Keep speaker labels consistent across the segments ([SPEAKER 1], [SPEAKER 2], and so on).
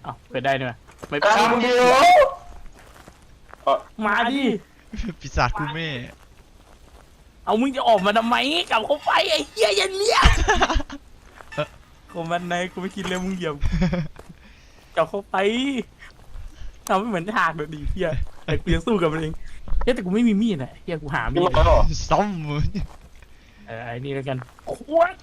[SPEAKER 1] อ้าวเปิดได้ด้วยไม่
[SPEAKER 2] กลางเดียว
[SPEAKER 1] มาดิ
[SPEAKER 3] ปีศาจกูแม่
[SPEAKER 1] เอามึงจะออกมาทำไมกลับเข้าไปไอ้เหี้ยยันเลี้ยของมันไหนกูไม่คิดเลยมึงเหยียบกลับเข้าไปทำให้เหมือนฉากเดี๋ยวดีเหี้ยแต่กูยังสู้กับมันเองเฮ้ยแต่กูไม่มีมีดอ่ะเหี้ยกูหามี
[SPEAKER 2] นี่
[SPEAKER 1] ด
[SPEAKER 2] มาหรอ
[SPEAKER 3] ซ่อมมือ
[SPEAKER 1] ไอ้นี่แล้วกันควง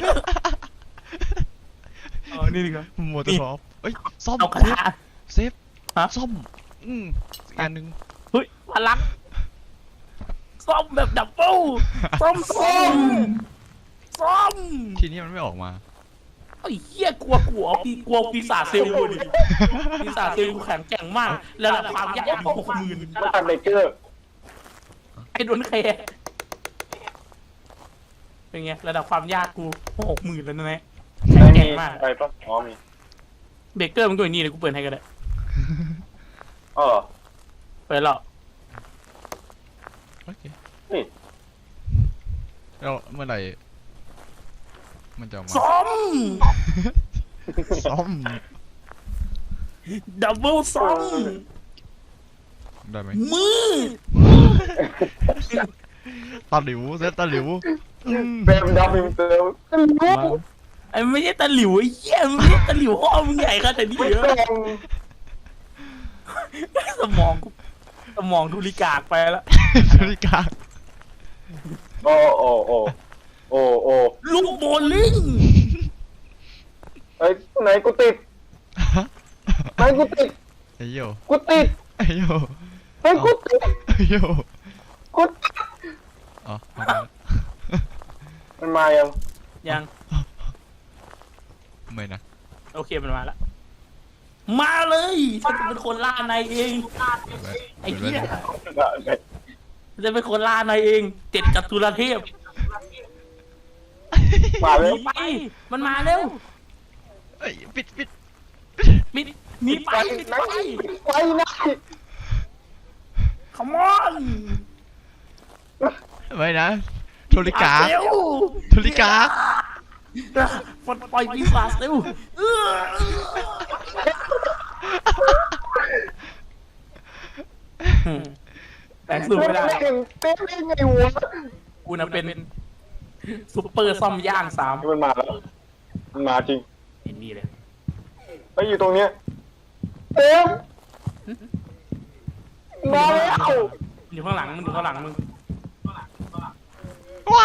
[SPEAKER 1] เอานี่ดีกว่า
[SPEAKER 3] มัวแต่รอบเอ้ยซ่อม
[SPEAKER 1] เอากระทะ
[SPEAKER 3] เซฟ
[SPEAKER 1] ฮะ
[SPEAKER 3] ซ่อมอีกอันหนึ่ง
[SPEAKER 1] เฮ้ยพลังซ่อมแบบดับเบิลซ่อมซ่อม
[SPEAKER 3] ทีนี้มันไม่ออกมา
[SPEAKER 1] ไอ้เหี้ยกลัวปีศาจเซลล์ดิปีศาจเซลล์แข็งแกร่งมากระดับความยากอยู่60,000
[SPEAKER 2] ไม่ทำเบเกอร์
[SPEAKER 1] ไอ้โดนแคร์เป็นไงระดับความยากกู60,000แล้วนะเนี่ยแข็ง
[SPEAKER 2] ไม่
[SPEAKER 1] แก
[SPEAKER 2] มี
[SPEAKER 1] ร่งมาก
[SPEAKER 2] อะไรปะอ๋อมี
[SPEAKER 1] เบเกอร์มันก็อย่างนี้เลยกูเปิดให้ก็ได้
[SPEAKER 2] อ๋อ
[SPEAKER 1] เปิดแล้ว
[SPEAKER 3] โอเค
[SPEAKER 2] นี่
[SPEAKER 3] แล้วเมื่อไหร่มันจะออกมา
[SPEAKER 1] ซ่อม
[SPEAKER 3] ซ่อม
[SPEAKER 1] ดับเบิลซ่อม
[SPEAKER 3] ได้ไหม
[SPEAKER 1] มือ
[SPEAKER 3] ตาหลิวเซฟตาหลิว
[SPEAKER 2] เบมดับมิมเตอร์
[SPEAKER 1] ไอ้ไม่ใช่ตะหลิวไอ้เหี้ยมึงไม่ใช่ตะหลิวพ่อมึงใหญ่ขนาดนี้
[SPEAKER 2] ไม่
[SPEAKER 1] เหรอ
[SPEAKER 2] ต้อง
[SPEAKER 1] สมองทุลิกากไปแล้ว
[SPEAKER 3] นาฬิกา
[SPEAKER 2] โอ้โอ้โอ้โอ้โอ้
[SPEAKER 1] ลูกโบลิ่ง
[SPEAKER 2] เฮ้ยไหนกูติดไหนกูติด
[SPEAKER 3] ไอ้โย
[SPEAKER 2] กูติด
[SPEAKER 3] ไอ้โย
[SPEAKER 2] เฮ้ยกูติด
[SPEAKER 3] ไอ้โย
[SPEAKER 2] กูติด
[SPEAKER 3] อ๋อมาแล้ว
[SPEAKER 2] มันมายัง
[SPEAKER 1] ยัง
[SPEAKER 3] ไม่นะ
[SPEAKER 1] โอเคมันมาแล้วมาเลยฉันจะเป็นคนล่านายเองไอ้เหี้ยจะเป็นคนล่านายเองเจ็ดจัตุรเทพ
[SPEAKER 2] มา
[SPEAKER 1] ห
[SPEAKER 2] เล
[SPEAKER 1] นี
[SPEAKER 2] ย
[SPEAKER 1] ไปมันมาเร็ว
[SPEAKER 3] เอ้ยปิด
[SPEAKER 1] มิดหนีไปปิด
[SPEAKER 2] ไหน
[SPEAKER 1] ไป
[SPEAKER 2] ไปไหน
[SPEAKER 1] ขมอน
[SPEAKER 3] ไม่นะโทริกา
[SPEAKER 1] เร็ว
[SPEAKER 3] โทริกา
[SPEAKER 1] ปลดปล่อยปีศาจเร็วแต่สู้ไม่ได้
[SPEAKER 2] เต้นได้ไงวะ
[SPEAKER 1] กูน่ะเป็นซุปเปอร์ซ่อมย่าง3
[SPEAKER 2] มันมาแล้วมันมาจริง
[SPEAKER 1] เห็นนี่เลย
[SPEAKER 2] ไปอยู่ตรงเนี้ยเต็มมาแล้ว
[SPEAKER 1] มันอยู่ข้างหลังมึง
[SPEAKER 3] ว้า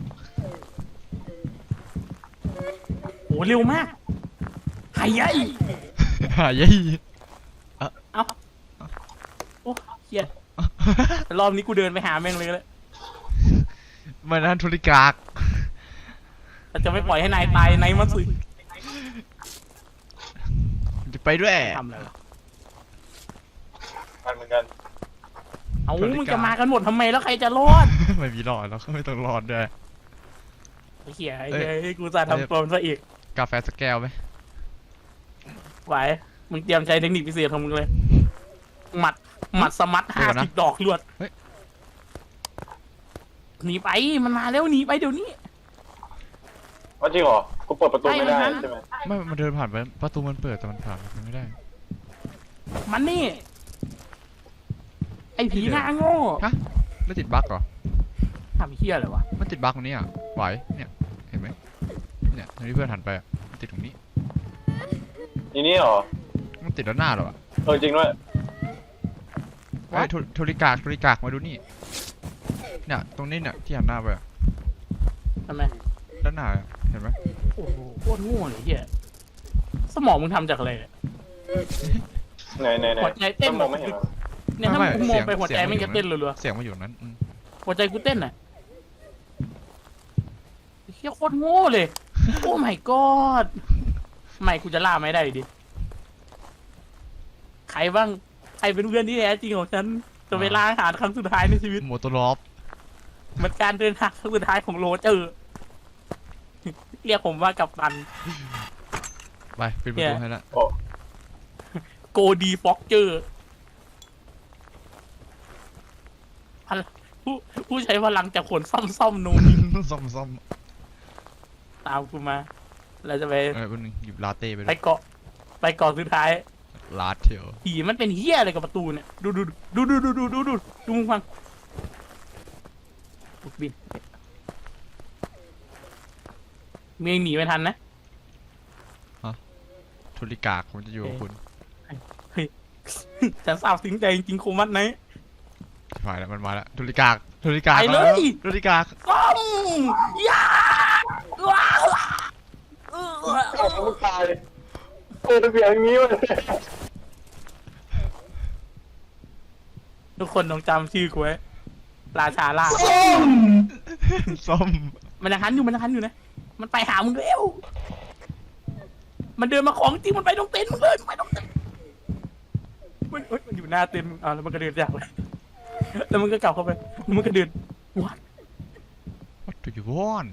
[SPEAKER 1] โอ้เร็วมากหายยัย
[SPEAKER 3] หายยี่
[SPEAKER 1] เอ้าโอ้เฮียรอบนี้กูเดินไปหาแม่งเลยเลย
[SPEAKER 3] ไม่นะโทริกา
[SPEAKER 1] แต่จะไม่ปล่อยให้นายตายนายมันสิ
[SPEAKER 3] จะไปด้วย
[SPEAKER 1] ทำอะไรวะ
[SPEAKER 2] มันเหมือนกัน
[SPEAKER 1] เอามึงจะมากันหมดทำไมแล้วใครจะรอด
[SPEAKER 3] ไม่มีรอดแล้วก็ไม่ต้องรอดด้วย
[SPEAKER 1] ไอ้เหี้ยไอ้เหี้ยกูจะทำตัวมันซะอีก
[SPEAKER 3] กาแฟสักแก้วไหม
[SPEAKER 1] ไหวมึงเตรียมใช้เทคนิคพิเศษของมึงเลยหมัดสมัด50 ดอกลวดหนีไปมันมาแล้วหนีไปเดี๋ยวนี้
[SPEAKER 2] ว่าจริงเหรอกูเปิดประตูไม่ได้
[SPEAKER 1] ใช่
[SPEAKER 2] ใช่ไหม
[SPEAKER 3] ไม่มันเดินผ่านไปประตูมันเปิดแต่มันผ่านไปไม่ได้
[SPEAKER 1] มันนี่ไอ้ผีหน้าโง่
[SPEAKER 3] ฮะไม่ติดบั๊กเหรอ
[SPEAKER 1] ทำเหี้ยอะไรวะ
[SPEAKER 3] มันติดบั๊กตรงนี้อ่ะไหวเนี่ยเห็นไหมเนี่ยตรงที่เพื่อนหันไปอ่ะมันติดตรงนี้
[SPEAKER 2] ทีนี้เหรอ
[SPEAKER 3] มันติดด้านหน้าเหรอวะ
[SPEAKER 2] จริงด้วย
[SPEAKER 3] ไอ้ยโทริกากมาดูนี่เนี่ยตรงนี้เนี่ยที่หันหน้าไปอะ
[SPEAKER 1] ทำไม
[SPEAKER 3] ด้านหน้าอะเห็นไหม
[SPEAKER 1] โอ้โหโคตรโง่เลยเหี้ยสมองมึงทำจากอะไรเนี่ย
[SPEAKER 2] ไหน
[SPEAKER 1] หัวใจเต้น
[SPEAKER 2] มองไม่เห็นเหรอ
[SPEAKER 1] เนี่ยถ้ามึงมองไปหัวใจมันจะเต้นรัว
[SPEAKER 3] เสียงมาอยู่นั้น
[SPEAKER 1] ๆหัวใจกูเต้นอ่ะเหี้ยโคตรโง่เลยโอ้ my god ไม่กูจะล่าไม่ได้ดิใครบ้างใครเป็นเพื่อนที่แท้จริงของฉันจะไปล่าอาหารครั้งสุดท้ายในชีวิต
[SPEAKER 3] โมโตรอฟ
[SPEAKER 1] มันการเดินทางครั้งสุดท้ายของโรเจอร์เรียกผมว่ากัปตัน
[SPEAKER 3] ไปปิดประตูให้ละ
[SPEAKER 2] โอ้
[SPEAKER 1] โกดีฟ็อกเจอร์ผู้ใช้พลังจากขนซ่อมโนน
[SPEAKER 3] ซ่อม
[SPEAKER 1] ตามกูมา เราจะไป
[SPEAKER 3] วันนึงหยิบลาเต้ไป
[SPEAKER 1] ไป
[SPEAKER 3] ด้วย
[SPEAKER 1] เกาะไปไปก่อนสุดท้าย
[SPEAKER 3] ลาดเทียว
[SPEAKER 1] ผีมันเป็นเฮี้ยอะไรกับประตูเนี่ยดูมึงฟังบุกบินเมียงหนีไม่ทันนะ
[SPEAKER 3] ทุลิกากผมจะอยู่กับคุณ
[SPEAKER 1] ฉันสาวสิงใจจริงๆคมวัดไหน
[SPEAKER 3] ผ่านแล้วมันมาแล้วทุลิกากทุลิกาก
[SPEAKER 1] ไปเลย
[SPEAKER 3] มาแล้วทุลิกาก
[SPEAKER 1] ซ้อมยาว้าว
[SPEAKER 2] มึงตายเปิดเสียงอย่างนี้มัน
[SPEAKER 1] ทุกคนต้องจำชื่อกูไว้ราชาล่า
[SPEAKER 3] ส้ม
[SPEAKER 1] มันยังหันอยู่นะมันไปหามึงเร็วมันเดินมาของจริงมันไปตรงเต็นท์มึงเลยมันไปตรงเต็นท์มันอยู่หน้าเต็นท์มึงแล้วมันก็เดินจากไปแล้วมันก็กลับเข้าไปแล้วมันก็เดินวัด
[SPEAKER 3] What do you want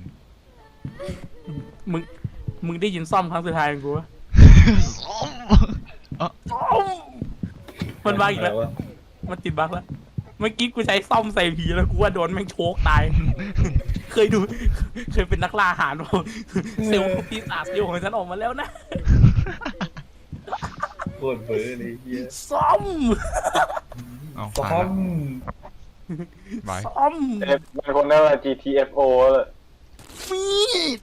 [SPEAKER 1] มึงได้ยินซ่อมครั้งสุดท้ายของกูปะ
[SPEAKER 3] ส้ม
[SPEAKER 1] ซ่อมมันบักอีกแล้วมันติดบักแล้วเมื่อกี้กูใช้ซ่อมใส่ผีแล้วกูว่าโดนแม่งโชกตาย เคยเป็นนักล่าอาหารป่ะเซลล์ปีศาจเซลล์ของฉันออกมาแล้วนะ
[SPEAKER 2] โคตรเบื่อเลยเฮีย
[SPEAKER 1] ซ่อม
[SPEAKER 3] เอา
[SPEAKER 2] ซ้
[SPEAKER 3] ผ่าน
[SPEAKER 2] อ
[SPEAKER 3] แล้ว
[SPEAKER 2] ม
[SPEAKER 3] บาย
[SPEAKER 1] ซ่อม
[SPEAKER 2] เป็นคนนั่นแหละ GTFO เลย
[SPEAKER 1] มีด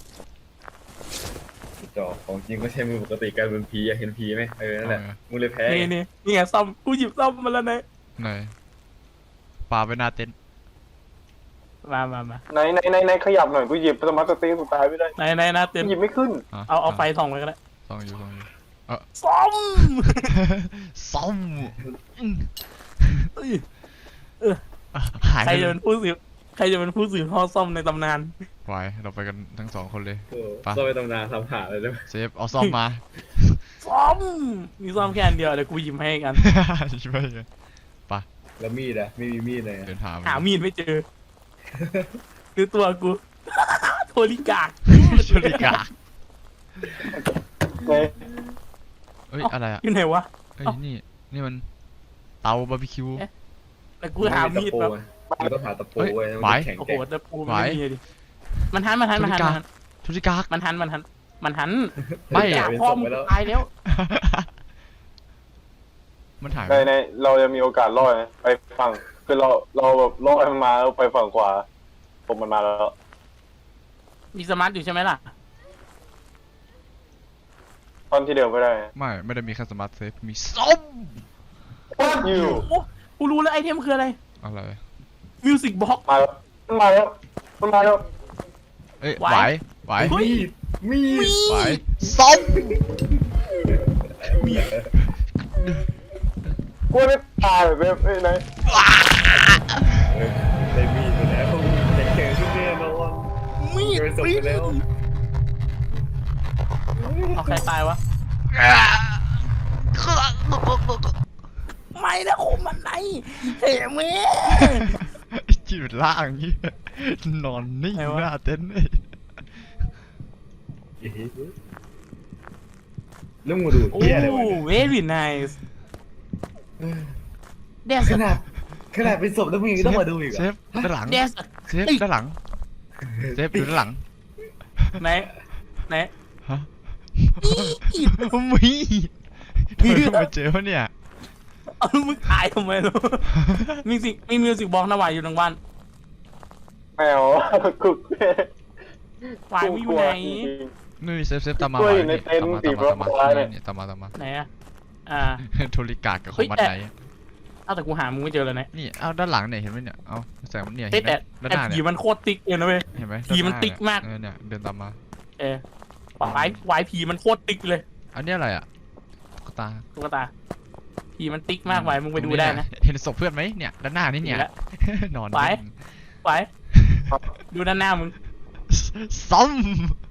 [SPEAKER 2] จอของจริงก็ใช้มือปกติการเป็นผีอยากเห็นผีไหมนั่นแหละมึงเลยแพ้
[SPEAKER 1] นี่ไงซ่อมกูหยิบซ่อมมาแล้วนะ
[SPEAKER 3] ไหนปาไปหน้าเต็นท์
[SPEAKER 1] มา
[SPEAKER 2] ไหนขยับหน่อยกูหยิบสมาร์ทสติ๊กสุดท้ายไม่ได้
[SPEAKER 1] ไหนนะเต็ม
[SPEAKER 2] หยิบไม่ขึ้น
[SPEAKER 1] เอาไฟส่องไปก็ได้
[SPEAKER 3] ส่องอยู่
[SPEAKER 1] ซ่อม
[SPEAKER 3] ส้ม
[SPEAKER 1] เอ้ย
[SPEAKER 3] หาย
[SPEAKER 1] ใคร
[SPEAKER 3] ไป
[SPEAKER 1] จะเป็นผู้สืบทอดซ่อมในตำนาน
[SPEAKER 3] ไว้เราไปกันทั้งสองคนเลย
[SPEAKER 2] ซ่อมไปตำนานทำหาเลยด้วย
[SPEAKER 3] เซฟเอาซ่อมมา
[SPEAKER 1] ซ่อมมีซ่อมแค่อันเดียวเดี๋ยวกูหยิบให้กัน
[SPEAKER 3] ช่วยกัน
[SPEAKER 2] แล้วมีดอะไม่มีมีดเลย
[SPEAKER 3] เดินหา
[SPEAKER 1] หามีดไม่เจอคือตัวกู โทริกาก
[SPEAKER 3] ทุลิกาก
[SPEAKER 2] ไหน
[SPEAKER 3] เอ้ยอะไรอ่ะ
[SPEAKER 1] อยู่ไหนวะ
[SPEAKER 3] เอ้ยนี่มันเตาบาร์บีคิว
[SPEAKER 1] แต่กูหามีดแบบ
[SPEAKER 2] มันต้องหาตะปู
[SPEAKER 3] เฮ้ย
[SPEAKER 2] ไว้
[SPEAKER 3] ไหว
[SPEAKER 2] แข็ง
[SPEAKER 1] โอ้โห
[SPEAKER 2] แกร่ง
[SPEAKER 1] แต่ปูมันไม่มีดิมันหัน
[SPEAKER 3] ทุลิกาก
[SPEAKER 1] มันหัน
[SPEAKER 3] ไม่
[SPEAKER 1] อยากพ่อมึงตายแล้ว
[SPEAKER 3] มันหาย
[SPEAKER 2] ในเราจะมีโอกาสรอดไหมไปฝั่งคือเราแบบรอดมันมาแล้วไปฝั่งขวาผมมันมาแล้ว
[SPEAKER 1] มีสมาร์ทอยู่ใช่ไหมล่ะ
[SPEAKER 2] ตอนที่เดิมไม่ได้
[SPEAKER 3] ไม่ได้มีแค่สมาร์ทเซฟมีส้ม
[SPEAKER 2] อยู่
[SPEAKER 1] โอ้กูรู้แล้วไอเทมคืออะไร
[SPEAKER 3] อะไร
[SPEAKER 1] มิวสิกบ็อก
[SPEAKER 2] มาแล้วมันมาแล้ว
[SPEAKER 3] เอ้ย
[SPEAKER 1] ไหว
[SPEAKER 3] ไหว
[SPEAKER 1] เฮ้ย
[SPEAKER 2] มีด
[SPEAKER 3] ไหวส้ม
[SPEAKER 2] กลัวไม่ตายแบบไหนได้มีดไปแล้วแข็งขึ้นแน่นอน
[SPEAKER 1] มีด
[SPEAKER 2] เจอศพไปแล้ว
[SPEAKER 1] เอาใครตายวะไม่นะคมมันไหนเฮ้แม่
[SPEAKER 3] จีบล่างอย่างนี้นอนนิ่ง
[SPEAKER 1] ไหนวะ
[SPEAKER 3] หน้าเต็นท์เลย
[SPEAKER 2] แล้วมึงดู
[SPEAKER 1] โอ้
[SPEAKER 2] เหี้ยอะไรวะ
[SPEAKER 1] very nice เดส
[SPEAKER 2] ขนาดเป็นศพแล้วมึงยังต้องมาดูอีก
[SPEAKER 3] เซฟด้านหลัง
[SPEAKER 1] เดส
[SPEAKER 3] เซฟด้านหลังเซฟอยู่ด้านหลัง
[SPEAKER 1] ไหน
[SPEAKER 3] ฮะ
[SPEAKER 1] อีด
[SPEAKER 3] มีเพิ่งมาเจอวะเนี่ย
[SPEAKER 1] เอามึงตายทำไมลูกมีมิวสิกบ็อกนะวายอยู่ทางบ้าน
[SPEAKER 2] แมวกุก
[SPEAKER 1] วายไม่อยู่ไหน
[SPEAKER 3] นี่เซฟตามมา
[SPEAKER 2] ตัวอยู่ในเต็นท์สีฟ้าๆเนี่ย
[SPEAKER 3] นี่ตามมา
[SPEAKER 1] ไหนอะ
[SPEAKER 3] โทริกากกับค
[SPEAKER 1] เฮ้
[SPEAKER 3] น
[SPEAKER 1] ย
[SPEAKER 3] มัด
[SPEAKER 1] แต่
[SPEAKER 3] ไหน
[SPEAKER 1] เอาแต่กูหามึงไม่เจอเลยนะ
[SPEAKER 3] นี่เอาด้านหลังเนี่ยเห็นไหมเนี่ยเอาแสงมันเนี่ย
[SPEAKER 1] เฮ้
[SPEAKER 3] เห็
[SPEAKER 1] ย
[SPEAKER 3] นไหม
[SPEAKER 1] แต่
[SPEAKER 3] ด้านหน้า
[SPEAKER 1] ผี
[SPEAKER 3] เนี่ย
[SPEAKER 1] มันโคตรติ๊กเลยนะเว้ย
[SPEAKER 3] เห็นไหม
[SPEAKER 1] ผีมันติ๊กมาก
[SPEAKER 3] เนี่ยเดินตามมา
[SPEAKER 1] วายผีมันโคตรติ๊กเลย
[SPEAKER 3] อันนี้อะไรอ่ะตุ๊กตา
[SPEAKER 1] ตุ๊กตาผีมันติ๊กมากวายมึงไปดูได้นะ
[SPEAKER 3] เห็นศพเพื่อนไหมเนี่ยด้านหน้านี่เนี่ย
[SPEAKER 1] เห็นแล้ว
[SPEAKER 3] นอน
[SPEAKER 1] ไป วายดูด้านหน้ามึง
[SPEAKER 3] ซ้ำ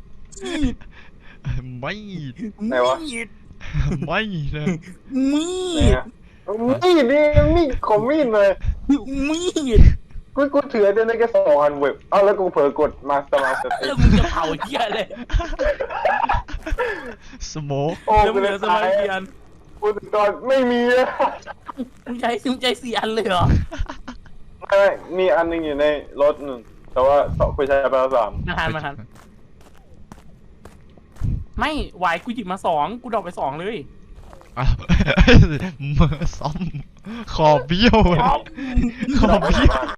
[SPEAKER 3] ไม่
[SPEAKER 2] ไหนวะ
[SPEAKER 1] มีด
[SPEAKER 3] ไม่เลย
[SPEAKER 1] มี
[SPEAKER 2] เนี่ย
[SPEAKER 1] ด
[SPEAKER 2] มีดของมีดเลย
[SPEAKER 1] มีด
[SPEAKER 2] กูถือได้แค่2 อันเว็บเอาแล้วกูเผลอกดมาสมาร์ทสติ๊
[SPEAKER 1] แล้ว
[SPEAKER 2] ก
[SPEAKER 1] มึงจะเผาเหี้ยเลย
[SPEAKER 3] สโมก
[SPEAKER 2] โอ้
[SPEAKER 1] แล้วมึ
[SPEAKER 2] กู
[SPEAKER 1] งเห
[SPEAKER 2] เล
[SPEAKER 1] ลื
[SPEAKER 2] ย
[SPEAKER 1] อส
[SPEAKER 2] ตา
[SPEAKER 1] มาร์
[SPEAKER 2] ย
[SPEAKER 1] ทเกียน
[SPEAKER 2] กูตอนไม่มีอะ
[SPEAKER 1] มึงใช้4 อันเลยเหรอ
[SPEAKER 2] ไม่มีอันหนึงอยู่ในรถหนึ่งแต่ว่ากูใช้ไปแล้ว3
[SPEAKER 1] มาทันไม่วายกูหยิบมา2กูดรอปไป2เลย
[SPEAKER 3] อ้าวมือซ้อมคอเบี้ยวเลยคอเบี้ยว